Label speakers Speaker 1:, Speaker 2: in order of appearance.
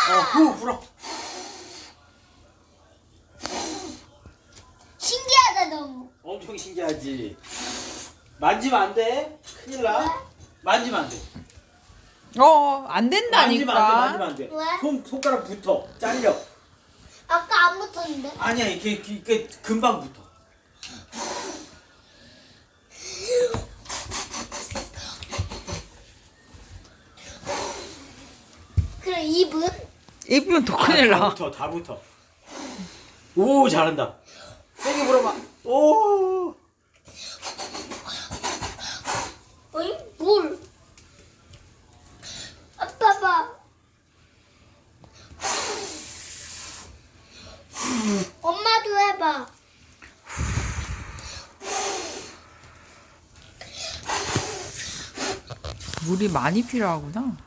Speaker 1: 후 불어.
Speaker 2: 신기하다 너무.
Speaker 1: 엄청 신기하지. 만지면 안 돼. 큰일 나. 만지면 안 돼.
Speaker 3: 안 된다니까.
Speaker 1: 만지면 안 돼.
Speaker 2: 왜?
Speaker 1: 손가락 붙어. 잘려.
Speaker 2: 아까 안 붙었는데.
Speaker 1: 아니야, 이게 금방 붙어.
Speaker 2: 그럼 입은?
Speaker 3: 입으면 더 큰일
Speaker 1: 다
Speaker 3: 나.
Speaker 1: 붙어, 다 붙어. 오, 잘한다. 세게 물어봐. 오.
Speaker 2: 어이? 뭘? 아빠 봐. 엄마도 해봐.
Speaker 3: 물이 많이 필요하구나.